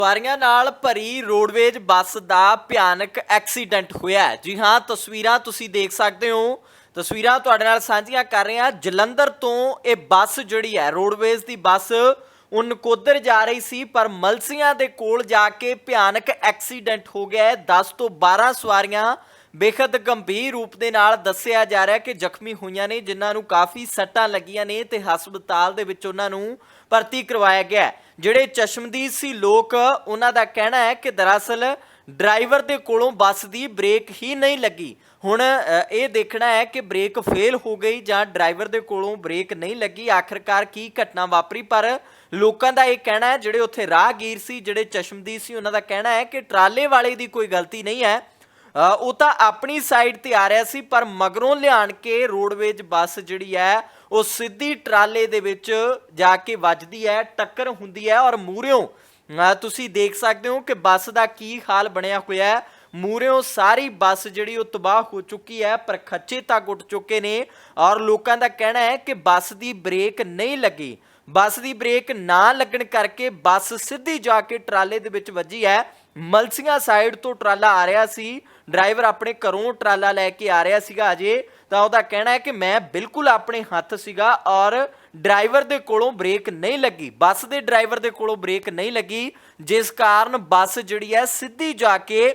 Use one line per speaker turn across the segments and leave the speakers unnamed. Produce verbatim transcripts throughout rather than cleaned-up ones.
ਸਵਾਰੀਆਂ ਨਾਲ ਭਰੀ ਰੋਡਵੇਜ ਬੱਸ ਦਾ ਭਿਆਨਕ ਐਕਸੀਡੈਂਟ ਹੋਇਆ ਹੈ। ਜੀ ਹਾਂ, ਤਸਵੀਰਾਂ ਤੁਸੀਂ ਦੇਖ ਸਕਦੇ ਹੋ। ਤਸਵੀਰਾਂ ਤੁਹਾਡੇ ਨਾਲ ਸਾਂਝੀਆਂ ਕਰ ਰਹੇ ਹਾਂ। ਜਲੰਧਰ ਤੋਂ ਇਹ ਬੱਸ ਜਿਹੜੀ ਹੈ ਰੋਡਵੇਜ ਦੀ ਬੱਸ ਉਹ ਨਕੋਦਰ ਜਾ ਰਹੀ ਸੀ, ਪਰ ਮਲਸੀਆਂ ਦੇ ਕੋਲ ਜਾ ਕੇ ਭਿਆਨਕ ਐਕਸੀਡੈਂਟ ਹੋ ਗਿਆ ਹੈ। ਦਸ ਤੋਂ ਬਾਰਾਂ ਸਵਾਰੀਆਂ ਬੇਖਦ ਗੰਭੀਰ ਰੂਪ ਦੇ ਨਾਲ ਦੱਸਿਆ ਜਾ ਰਿਹਾ ਕਿ ਜ਼ਖਮੀ ਹੋਈਆਂ ਨੇ, ਜਿਨ੍ਹਾਂ ਨੂੰ ਕਾਫੀ ਸੱਟਾਂ ਲੱਗੀਆਂ ਨੇ ਤੇ ਹਸਪਤਾਲ ਦੇ ਵਿੱਚ ਉਹਨਾਂ ਨੂੰ ਭਰਤੀ ਕਰਵਾਇਆ ਗਿਆ। ਜਿਹੜੇ ਚਸ਼ਮਦੀਦ ਸੀ ਲੋਕ, ਉਹਨਾਂ ਦਾ ਕਹਿਣਾ ਹੈ ਕਿ ਦਰਅਸਲ ਡਰਾਈਵਰ ਦੇ ਕੋਲੋਂ ਬੱਸ ਦੀ ਬ੍ਰੇਕ ਹੀ ਨਹੀਂ ਲੱਗੀ। ਹੁਣ ਇਹ ਦੇਖਣਾ ਹੈ ਕਿ ਬ੍ਰੇਕ ਫੇਲ ਹੋ ਗਈ ਜਾਂ ਡਰਾਈਵਰ ਦੇ ਕੋਲੋਂ ਬ੍ਰੇਕ ਨਹੀਂ ਲੱਗੀ, ਆਖਿਰਕਾਰ ਕੀ ਘਟਨਾ ਵਾਪਰੀ। ਪਰ ਲੋਕਾਂ ਦਾ ਇਹ ਕਹਿਣਾ ਹੈ, ਜਿਹੜੇ ਉੱਥੇ ਰਾਹਗੀਰ ਸੀ, ਜਿਹੜੇ ਚਸ਼ਮਦੀਦ ਸੀ, ਉਹਨਾਂ ਦਾ ਕਹਿਣਾ ਹੈ ਕਿ ਟਰਾਲੇ ਵਾਲੇ ਦੀ ਕੋਈ ਗਲਤੀ ਨਹੀਂ ਹੈ। ਉਹ ਤਾਂ ਆਪਣੀ ਸਾਈਡ ਤੇ ਆ ਰਿਹਾ ਸੀ, ਪਰ ਮਗਰੋਂ ਲਿਆਣ ਕੇ ਰੋਡਵੇਜ ਬੱਸ ਜਿਹੜੀ ਹੈ ਉਹ ਸਿੱਧੀ ਟਰਾਲੇ ਦੇ ਵਿੱਚ ਜਾ ਕੇ ਵੱਜਦੀ ਹੈ, ਟੱਕਰ ਹੁੰਦੀ ਹੈ। ਔਰ ਮੂਹਰਿਓਂ ਤੁਸੀਂ ਦੇਖ ਸਕਦੇ ਹੋ ਕਿ ਬੱਸ ਦਾ ਕੀ ਹਾਲ ਬਣਿਆ ਹੋਇਆ ਹੈ। ਮੂਹਰਿਓਂ ਸਾਰੀ ਬੱਸ ਜਿਹੜੀ ਉਹ ਤਬਾਹ ਹੋ ਚੁੱਕੀ ਹੈ, ਪਰ ਖੱਚੇ ਤੱਕ ਉੱਡ ਚੁੱਕੇ ਨੇ। ਔਰ ਲੋਕਾਂ ਦਾ ਕਹਿਣਾ ਹੈ ਕਿ ਬੱਸ ਦੀ ਬ੍ਰੇਕ ਨਹੀਂ ਲੱਗੀ। ਬੱਸ ਦੀ ਬ੍ਰੇਕ ਨਾ ਲੱਗਣ ਕਰਕੇ ਬੱਸ ਸਿੱਧੀ ਜਾ ਕੇ ਟਰਾਲੇ ਦੇ ਵਿੱਚ ਵੱਜੀ ਹੈ। ਮਲਸੀਆਂ ਸਾਈਡ ਤੋਂ ਟਰਾਲਾ ਆ ਰਿਹਾ ਸੀ, ਡਰਾਈਵਰ ਆਪਣੇ ਘਰੋਂ ਟਰਾਲਾ ਲੈ ਕੇ ਆ ਰਿਹਾ ਸੀਗਾ ਅਜੇ, ਤਾਂ ਉਹਦਾ ਕਹਿਣਾ ਹੈ ਕਿ ਮੈਂ ਬਿਲਕੁਲ ਆਪਣੇ ਹੱਥ ਸੀਗਾ ਔਰ ਡਰਾਈਵਰ ਦੇ ਕੋਲੋਂ ਬ੍ਰੇਕ ਨਹੀਂ ਲੱਗੀ, ਬੱਸ ਦੇ ਡਰਾਈਵਰ ਦੇ ਕੋਲੋਂ ਬ੍ਰੇਕ ਨਹੀਂ ਲੱਗੀ, ਜਿਸ ਕਾਰਨ ਬੱਸ ਜਿਹੜੀ ਹੈ ਸਿੱਧੀ ਜਾ ਕੇ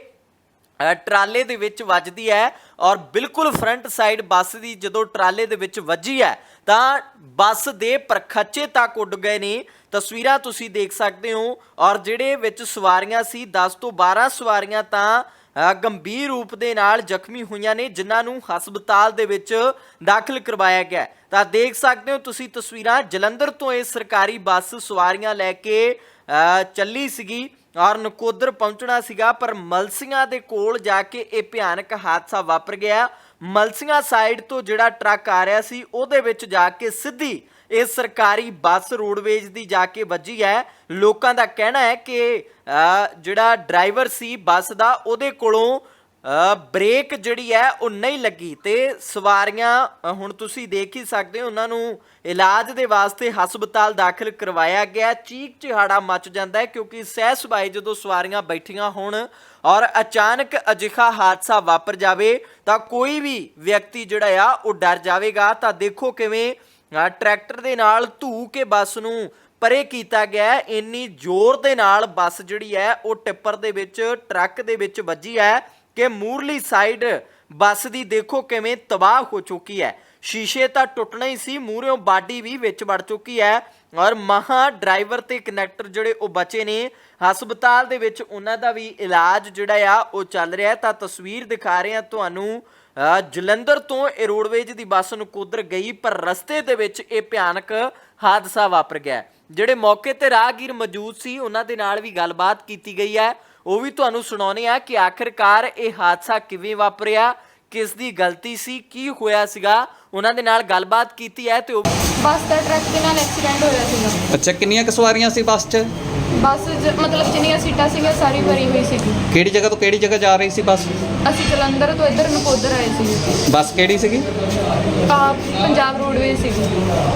ਟਰਾਲੇ ਦੇ ਵਿੱਚ ਵੱਜਦੀ ਹੈ। ਔਰ ਬਿਲਕੁਲ ਫਰੰਟ ਸਾਈਡ ਬੱਸ ਦੀ ਜਦੋਂ ਟਰਾਲੇ ਦੇ ਵਿੱਚ ਵੱਜੀ ਹੈ ਤਾਂ ਬੱਸ ਦੇ ਪਰਖੱਚੇ ਤੱਕ ਉੱਡ ਗਏ ਨੇ। ਤਸਵੀਰਾਂ ਤੁਸੀਂ ਦੇਖ ਸਕਦੇ ਹੋ। ਔਰ ਜਿਹੜੇ ਵਿੱਚ ਸਵਾਰੀਆਂ ਸੀ, ਦਸ ਤੋਂ ਬਾਰਾਂ ਸਵਾਰੀਆਂ ਤਾਂ ਗੰਭੀਰ ਰੂਪ ਦੇ ਨਾਲ ਜ਼ਖਮੀ ਹੋਈਆਂ ਨੇ, ਜਿਨ੍ਹਾਂ ਨੂੰ ਹਸਪਤਾਲ ਦੇ ਵਿੱਚ ਦਾਖਲ ਕਰਵਾਇਆ ਗਿਆ। ਤਾਂ ਦੇਖ ਸਕਦੇ ਹੋ ਤੁਸੀਂ ਤਸਵੀਰਾਂ। ਜਲੰਧਰ ਤੋਂ ਇਹ ਸਰਕਾਰੀ ਬੱਸ ਸਵਾਰੀਆਂ ਲੈ ਕੇ ਚੱਲੀ ਸੀਗੀ ਔਰ ਨਕੋਦਰ ਪਹੁੰਚਣਾ ਸੀਗਾ, ਪਰ ਮਲਸੀਆਂ ਦੇ ਕੋਲ ਜਾ ਕੇ ਇਹ ਭਿਆਨਕ ਹਾਦਸਾ ਵਾਪਰ ਗਿਆ। ਮਲਸੀਆਂ ਸਾਈਡ ਤੋਂ ਜਿਹੜਾ ਟਰੱਕ ਆ ਰਿਹਾ ਸੀ, ਉਹਦੇ ਵਿੱਚ ਜਾ ਕੇ ਸਿੱਧੀ ਇਹ ਸਰਕਾਰੀ ਬੱਸ ਰੋਡਵੇਜ ਦੀ ਜਾ ਕੇ ਵੱਜੀ ਹੈ। ਲੋਕਾਂ ਦਾ ਕਹਿਣਾ ਹੈ ਕਿ ਜਿਹੜਾ ਡਰਾਈਵਰ ਸੀ ਬੱਸ ਦਾ, ਉਹਦੇ ਕੋਲੋਂ ਬ੍ਰੇਕ ਜਿਹੜੀ ਹੈ ਉਹ ਨਹੀਂ ਲੱਗੀ ਤੇ ਸਵਾਰੀਆਂ ਹੁਣ ਤੁਸੀਂ ਦੇਖ ਹੀ ਸਕਦੇ ਹੋ, ਉਹਨਾਂ ਨੂੰ ਇਲਾਜ ਦੇ ਵਾਸਤੇ ਹਸਪਤਾਲ ਦਾਖਲ ਕਰਵਾਇਆ ਗਿਆ। ਚੀਕ ਚਿਹਾੜਾ ਮਚ ਜਾਂਦਾ ਹੈ ਕਿਉਂਕਿ ਸਹਿ ਸੁਭਾਏ ਜਦੋਂ ਸਵਾਰੀਆਂ ਬੈਠੀਆਂ ਹੋਣ ਔਰ ਅਚਾਨਕ ਅਜਿਹਾ ਹਾਦਸਾ ਵਾਪਰ ਜਾਵੇ ਤਾਂ ਕੋਈ ਵੀ ਵਿਅਕਤੀ ਜਿਹੜਾ ਆ ਉਹ ਡਰ ਜਾਵੇਗਾ। ਤਾਂ ਦੇਖੋ ਕਿਵੇਂ ਟਰੈਕਟਰ ਦੇ ਨਾਲ ਧੂ ਕੇ ਬੱਸ ਨੂੰ ਪਰੇ ਕੀਤਾ ਗਿਆ। ਇੰਨੀ ਜ਼ੋਰ ਦੇ ਨਾਲ ਬੱਸ ਜਿਹੜੀ ਹੈ ਉਹ ਟਿੱਪਰ ਦੇ ਵਿੱਚ, ਟਰੱਕ ਦੇ ਵਿੱਚ ਵੱਜੀ ਹੈ ਕਿ ਮੂਰਲੀ ਸਾਈਡ ਬੱਸ ਦੀ ਦੇਖੋ ਕਿਵੇਂ ਤਬਾਹ ਹੋ ਚੁੱਕੀ ਹੈ। ਸ਼ੀਸ਼ੇ ਤਾਂ ਟੁੱਟਣਾ ਹੀ ਸੀ, ਮੂਹਰਿਓਂ ਬਾਡੀ ਵੀ ਵਿੱਚ ਵੜ ਚੁੱਕੀ ਹੈ। ਔਰ ਮਹਾ ਡਰਾਈਵਰ ਤੇ ਕਨੈਕਟਰ ਜਿਹੜੇ ਉਹ ਬਚੇ ਨੇ, ਹਸਪਤਾਲ ਦੇ ਵਿੱਚ ਉਹਨਾਂ ਦਾ ਵੀ ਇਲਾਜ ਜਿਹੜਾ ਆ ਉਹ ਚੱਲ ਰਿਹਾ। ਤਾਂ ਤਸਵੀਰ ਦਿਖਾ ਰਹੇ ਹਾਂ ਤੁਹਾਨੂੰ। ਜਲੰਧਰ ਤੋਂ ਇਹ ਰੋਡਵੇਜ ਦੀ ਬੱਸ ਨਕੋਦਰ ਗਈ, ਪਰ ਰਸਤੇ ਦੇ ਵਿੱਚ ਇਹ ਭਿਆਨਕ ਹਾਦਸਾ ਵਾਪਰ ਗਿਆ। ਜਿਹੜੇ ਮੌਕੇ ਤੇ ਰਾਹਗੀਰ ਮੌਜੂਦ ਸੀ, ਉਹਨਾਂ ਦੇ ਨਾਲ ਵੀ ਗੱਲਬਾਤ ਕੀਤੀ ਗਈ ਹੈ, ਉਹ ਵੀ ਤੁਹਾਨੂੰ ਸੁਣਾਉਂਦੇ ਆ ਕਿ ਆਖਿਰਕਾਰ ਇਹ ਹਾਦਸਾ ਕਿਵੇਂ ਵਾਪਰਿਆ, ਕਿਸ ਦੀ ਗਲਤੀ ਸੀ, ਕੀ ਹੋਇਆ ਸੀਗਾ। ਉਹਨਾਂ ਦੇ ਨਾਲ ਗੱਲਬਾਤ ਕੀਤੀ ਹੈ ਤੇ ਉਹ
ਬੱਸ ਦਾ ਟਰੱਕ ਦੇ ਨਾਲ ਐਕਸੀਡੈਂਟ ਹੋਇਆ ਸੀਗਾ।
ਅੱਛਾ, ਕਿੰਨੀਆਂ ਕੁ ਸਵਾਰੀਆਂ ਸੀ ਬੱਸ 'ਚ?
ਬੱਸ ਮਤਲਬ ਜਿੰਨੀਆਂ ਸੀਟਾਂ ਸੀਗੀਆਂ ਸਾਰੀ ਭਰੀ ਹੋਈ ਸੀਗੀ।
ਕਿਹੜੀ ਜਗ੍ਹਾ ਤੋਂ ਕਿਹੜੀ ਜਗ੍ਹਾ ਜਾ ਰਹੀ ਸੀ ਬੱਸ?
ਅਸੀਂ ਜਲੰਧਰ ਤੋਂ ਇੱਧਰ ਨਕੋਦਰ ਆਏ ਸੀ।
ਬੱਸ ਕਿਹੜੀ ਸੀਗੀ?
ਆ ਪੰਜਾਬ ਰੋਡਵੇਜ਼ ਸੀਗੀ।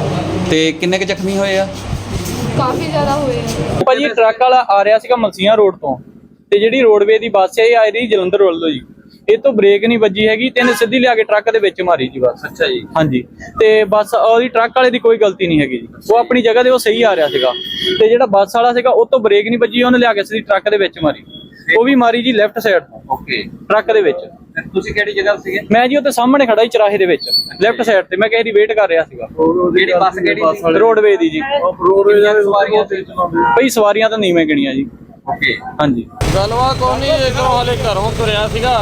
ਤੇ ਕਿੰਨੇ ਕੁ ਜ਼ਖਮੀ ਹੋਏ ਆ?
ਕਾਫੀ ਜ਼ਿਆਦਾ ਹੋਏ ਆ
ਭਾਜੀ। ਟਰੱਕ ਵਾਲਾ ਆ ਰਿਹਾ ਸੀਗਾ ਮਲਸੀਆਂ ਰੋਡ ਤੋਂ, ਤੇ ਜਿਹੜੀ ਰੋਡਵੇ ਦੀ ਬੱਸ ਹੈ ਇਹ ਆ ਰਹੀ ਜਲੰਧਰ ਵੱਲੋਂ ਜੀ। ਇਹ ਤੋਂ ਬ੍ਰੇਕ ਨਹੀਂ ਵੱਜੀ ਹੈਗੀ ਤੇ ਇਹਨੇ ਸਿੱਧੀ ਲਿਆ ਕੇ ਟਰੱਕ ਦੇ ਵਿੱਚ ਮਾਰੀ ਜੀ ਬੱਸ।
ਅੱਛਾ ਜੀ। ਹਾਂਜੀ।
ਤੇ ਬੱਸ ਉਹਦੀ ਟਰੱਕ ਵਾਲੇ ਦੀ ਕੋਈ ਗਲਤੀ ਨਹੀਂ ਹੈਗੀ ਜੀ, ਉਹ ਆਪਣੀ ਜਗ੍ਹਾ ਤੇ ਉਹ ਸਹੀ ਆ ਰਿਹਾ ਸੀਗਾ। ਤੇ ਜਿਹੜਾ ਬੱਸ ਵਾਲਾ ਸੀਗਾ ਉਹ ਤੋਂ ਬ੍ਰੇਕ ਨਹੀਂ ਵੱਜੀ, ਉਹਨੇ ਲਿਆ ਕੇ ਸਿੱਧੀ ਟਰੱਕ ਦੇ ਵਿੱਚ ਮਾਰੀ। ਉਹ ਵੀ ਮਾਰੀ ਜੀ ਲੈਫਟ ਸਾਈਡ ਤੋਂ।
ਓਕੇ।
ਟਰੱਕ ਦੇ ਵਿੱਚ।
ਤੁਸੀਂ ਕਿਹੜੀ ਜਗ੍ਹਾ ਸੀਗੇ?
ਮੈਂ ਜੀ ਉੱਥੇ ਸਾਹਮਣੇ ਖੜਾ ਹੀ ਚਰਾਹੇ ਦੇ ਵਿੱਚ ਲੈਫਟ ਸਾਈਡ ਤੇ, ਮੈਂ ਕਿਸੇ ਦੀ ਵੇਟ ਕਰ ਰਿਹਾ ਸੀਗਾ।
ਕਿਹੜੀ ਬੱਸ ਕਿਹੜੀ ਸੀ?
ਰੋਡਵੇ ਦੀ ਜੀ।
ਰੋਡਵੇ ਦੀਆਂ ਸਵਾਰੀਆਂ ਤੇ ਚਲਾਉਂਦੇ?
ਭਾਈ ਸਵਾਰੀਆਂ ਤਾਂ ਨੀਵੇਂ ਗਿਣੀਆਂ ਜੀ।
ਓਕੇ।
ਹਾਂਜੀ।
ਗਲਵਾ ਕੋਈ ਨਹੀਂ, ਇੱਧਰੋਂ ਹਾਲੇ ਘਰੋਂ ਤੁਰਿਆ ਸੀਗਾ,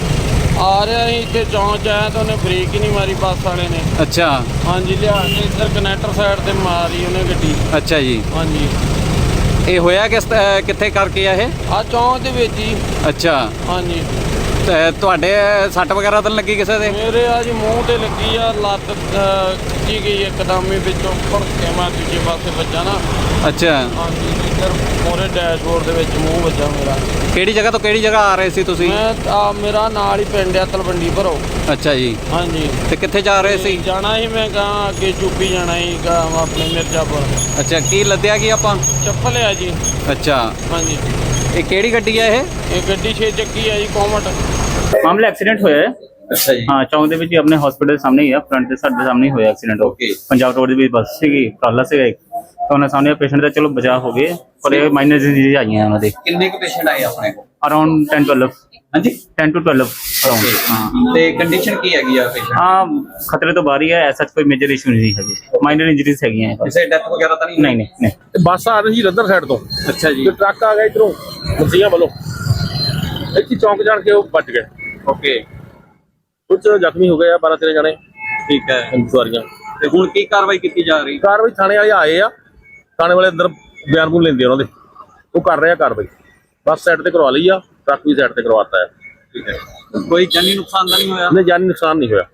ਆ ਰਿਹਾ ਸੀ, ਇੱਥੇ ਚੌਂਕ 'ਚ ਆਇਆ ਤਾਂ ਉਹਨੇ ਬ੍ਰੇਕ ਹੀ ਨਹੀਂ ਮਾਰੀ ਬੱਸ ਵਾਲੇ ਨੇ।
ਅੱਛਾ।
ਹਾਂਜੀ, ਲਿਆ ਕੇ ਇੱਧਰ ਕਨੈਕਟਰ ਸਾਈਡ ਤੇ ਮਾਰੀ ਉਹਨੇ ਗੱਡੀ।
ਅੱਛਾ ਜੀ।
ਹਾਂਜੀ।
ਇਹ ਹੋਇਆ ਕਿਸ ਕਿੱਥੇ ਕਰਕੇ ਆ ਇਹ?
ਆ ਚੌਂਕ ਦੇ ਵਿੱਚ ਹੀ।
ਅੱਛਾ।
ਹਾਂਜੀ।
ਤੇ ਤੁਹਾਡੇ ਸੱਟ ਵਗੈਰਾ ਤਾਂ ਲੱਗੀ ਕਿਸੇ ਦੇ?
ਮੇਰੇ ਆ ਜੀ ਮੂੰਹ ਤੇ ਲੱਗੀ ਆ, ਲੱਤ ਖਿੱਚੀ ਗਈ ਇੱਕਦਮ ਹੀ, ਵਿੱਚੋਂ ਭੜ ਕੇ ਮੈਂ ਦੂਜੇ ਪਾਸੇ ਵੱਜਾ ਨਾ।
ਅੱਛਾ।
ਹਾਂਜੀ, ਇਧਰ ਮੋਰੇ ਡੈਸ਼ਬੋਰਡ ਦੇ ਵਿੱਚ ਮੂੰਹ ਵੱਜਾ ਮੇਰਾ।
ਕਿਹੜੀ ਜਗ੍ਹਾ ਤੋਂ ਕਿਹੜੀ ਜਗ੍ਹਾ ਆ ਰਹੇ ਸੀ ਤੁਸੀਂ?
ਮੈਂ ਆ ਮੇਰਾ ਨਾਲ ਹੀ ਪਿੰਡ ਆ ਤਲਵੰਡੀ ਭਰੋ।
ਅੱਛਾ ਜੀ,
ਹਾਂਜੀ।
ਤੇ ਕਿੱਥੇ ਜਾ ਰਹੇ ਸੀ?
ਜਾਣਾ ਸੀ ਮੈਂ ਕਹਾਂ ਅੱਗੇ ਯੂਪੀ ਜਾਣਾ ਸੀ ਗਾ ਆਪਣੇ ਮਿਰਜ਼ਾਪੁਰ।
ਅੱਛਾ, ਕੀ ਲੱਦਿਆ ਕੀ ਆਪਾਂ?
ਚੱਪਲ ਆ ਜੀ।
ਅੱਛਾ,
ਹਾਂਜੀ।
ਇਹ ਕਿਹੜੀ ਗੱਡੀ ਹੈ ਇਹ?
ਇਹ ਗੱਡੀ ਛੇ ਚੱਕੀ ਆ ਜੀ ਕੋਮਟ।
ਮਾਮਲਾ ਐਕਸੀਡੈਂਟ ਹੋਇਆ ਹੈ।
ਅੱਛਾ ਜੀ,
ਹਾਂ, ਚੌਂਕ ਦੇ ਵਿੱਚ ਹੀ ਆਪਣੇ ਹਸਪੀਟਲ ਦੇ ਸਾਹਮਣੇ ਹੀ ਆ, ਫਰੰਟ ਦੇ ਸਾਡੇ ਸਾਹਮਣੇ ਹੀ ਹੋਇਆ ਐਕਸੀਡੈਂਟ।
ਓਕੇ।
ਪੰਜਾਬ ਰੋਡ ਦੇ ਵਿੱਚ ਬੱਸ ਸੀਗੀ, ਟਰਾਲਾ ਸੀਗਾ ਇੱਕ, ਤਾਂ ਉਹਨਾਂ ਸਾਹਮਣੇ ਪੇਸ਼ੈਂਟ ਦਾ ਚਲੋ ਬਚਾਅ ਹੋ ਗਏ, ਪਰ ਇਹ ਮਾਈਨਰ ਡਿਜ਼ੀਜ਼ ਆਈਆਂ ਉਹਨਾਂ ਦੇ।
ਕਿੰਨੇ ਕੁ ਪੇਸ਼ੈਂਟ ਆਏ ਆਪਣੇ ਕੋਲ?
Around ten twelve.
ਹਾਂਜੀ,
ਟੈਨ ਟੂ ਟਵੈਲਵ ਅਰਾਊਂਡ। ਹਾਂ
ਤੇ ਕੰਡੀਸ਼ਨ ਕੀ ਹੈਗੀ ਆ ਪੇਸ਼ੈਂਟ?
ਹਾਂ, ਖਤਰੇ ਤੋਂ ਬਾਹਰ ਹੀ ਹੈ, ਐਸਾ ਕੋਈ ਮੇਜਰ ਇਸ਼ੂ ਨਹੀਂ ਹੈਗੇ, ਮਾਈਨਰ ਇੰਜਰੀਜ਼ ਹੈਗੀਆਂ ਇਹ।
ਕਿਸੇ ਡੈਥ ਵਗੈਰਾ ਤਾਂ ਨਹੀਂ?
ਨਹੀਂ ਨਹੀਂ ਨਹੀਂ।
ਬੱਸ ਆ ਰਹੀ ਸੀ ਰੰਦਰ ਸਾਈਡ ਤੋਂ
ਅੱਛਾ ਜੀ,
ਤੇ ਟਰੱਕ ਆ ਗਿਆ ਇਧਰੋਂ ਮਸੀਆਂ ਵੱਲੋਂ, ਇੱਥੇ ਚੌਂਕ ਜਾਣ ਕੇ ਉਹ ਵੱਜ ਗਏ।
ਓਕੇ,
ਕੁਝ ਜ਼ਖਮੀ ਹੋ ਗਏ ਆ, ਬਾਰਾਂ ਤੇਰਾਂ ਜਣੇ
ਠੀਕ ਹੈ।
ਸਵਾਰੀਆਂ।
ਤੇ ਹੁਣ ਕੀ ਕਾਰਵਾਈ ਕੀਤੀ ਜਾ ਰਹੀ?
ਕਾਰਵਾਈ ਥਾਣੇ ਵਾਲੇ ਆਏ ਆ, ਥਾਣੇ ਵਾਲੇ ਅੰਦਰ ਬਿਆਨ ਬੂਨ ਲੈਂਦੇ ਆ ਉਹਨਾਂ ਦੇ, ਉਹ ਕਰ ਰਹੇ ਆ ਕਾਰਵਾਈ। ਬੱਸ ਸਾਈਡ ਤੇ ਕਰਵਾ ਲਈ ਆ, ਟਰੱਕ ਵੀ ਸਾਈਡ ਤੇ ਕਰਵਾਤਾ ਹੈ।
ਠੀਕ ਹੈ, ਕੋਈ ਜਾਨੀ ਨੁਕਸਾਨ ਤਾਂ ਨਹੀਂ ਹੋਇਆ?
ਨਹੀਂ, ਜਾਨੀ ਨੁਕਸਾਨ ਨਹੀਂ ਹੋਇਆ।